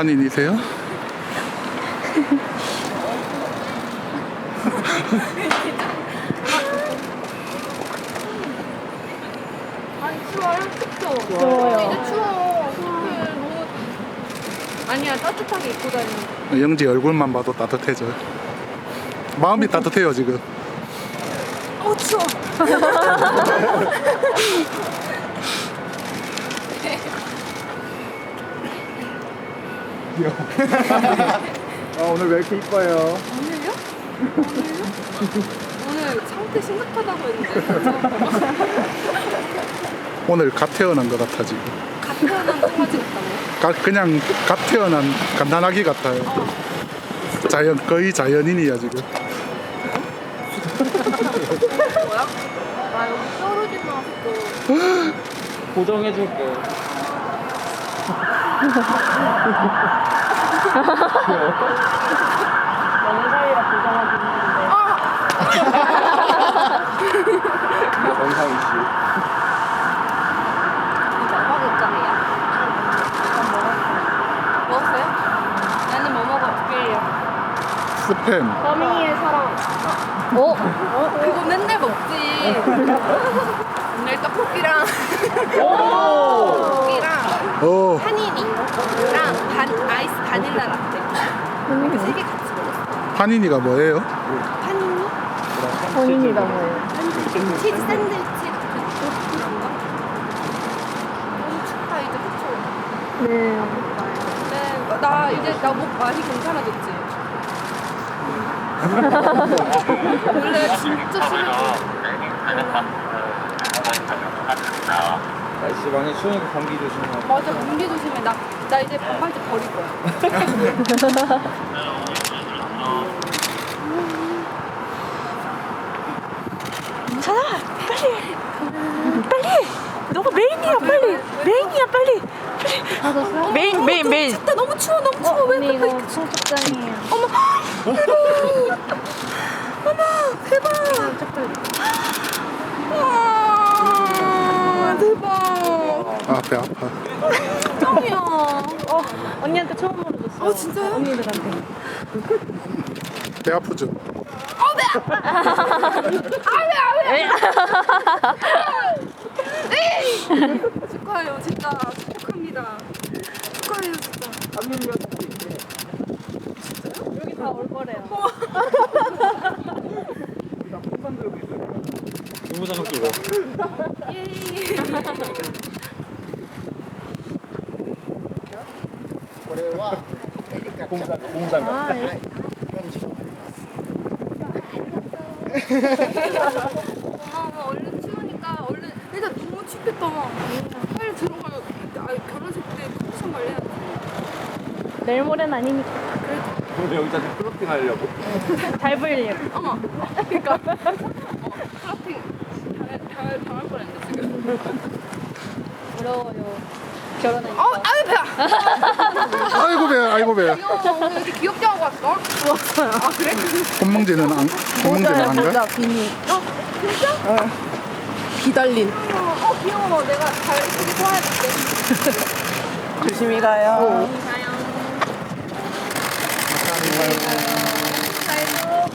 한인이세요? 아니 추워요? 춥죠? 추워요. 이제 추워. 너무 아니야 따뜻하게 입고 다니는. 영지 얼굴만 봐도 따뜻해져. 마음이 따뜻해요 지금. 추워. 오늘 왜 이렇게 이뻐요? 오늘요? 오늘 상태 심각하다고 했는데 오늘 갓 태어난 것 같아 지금. 갓 태어난 강아지 같다고요? 그냥 갓 태어난 갓난아기 같아요. 거의 자연인이야 지금. 뭐야? 아 여기 떨어지 마서. 고정해줄게. 연애 사이라 보장하고 있는데. 원상이 씨. 먹어줬잖아요. 먹었어요? 나는 뭐 먹어줄게요. 스팸. 서민이의 사랑. 그거 맨날 먹지. 오늘 떡볶이랑 떡볶이랑 오. 파니니랑 아이스 바닐라 라떼 이렇게 3개 같이 먹었어. 한인이가 뭐예요? 파니니? 본인이다 뭐예요? 치즈 샌드위치 그런 거? 너무 춥다 이제 그쵸? 네. 네, 나 이제 나 목 많이 괜찮아졌지? 원래 진짜 심했어. 날씨 많이 추우니까 감기 조심하고. 맞아, 감기 조심해. 나 이제 반바지 버릴 거야. 너가 메인이야 빨리 메인이야 빨리 받았어요? 메인 진짜 너무 추워, 너무 추워. 왜 언니 그렇게 이거 청첩장이에요. 대박! 와, 대박! 아, 배 아파. 짱이야. 언니한테 처음으로 줬어. 진짜요? 언니들한테. 배 아프죠? 축하해요, 진짜. 축복합니다. 축하해요, 진짜. 여기 다 올 거래요. 공부장 끼고. 예이. 공장. 아, 예. 고마워. 얼른 추우니까 얼른. 일단 너무 춥겠다. 빨리 들어가요. 결혼식 때 컨디션 관리해야지. 내일 모레는 아니니까. 오늘 여기다 플로팅 하려고. 잘 보이려고. 어머. 그러니까. 플러팅 당할 뻔했네 지금. 부러워요. 결혼하니까. 아유 배야. 아이고 배, 아이고 배. 귀여워. 오늘 이렇게 귀엽게 하고 왔어? 좋았어요. 아 그래? 콧멍제는 안 가? 비니 진짜? 비달린 귀여워. 내가 잘 이렇게 소화해줄게. 조심히 가요. 가요. 감사합니다.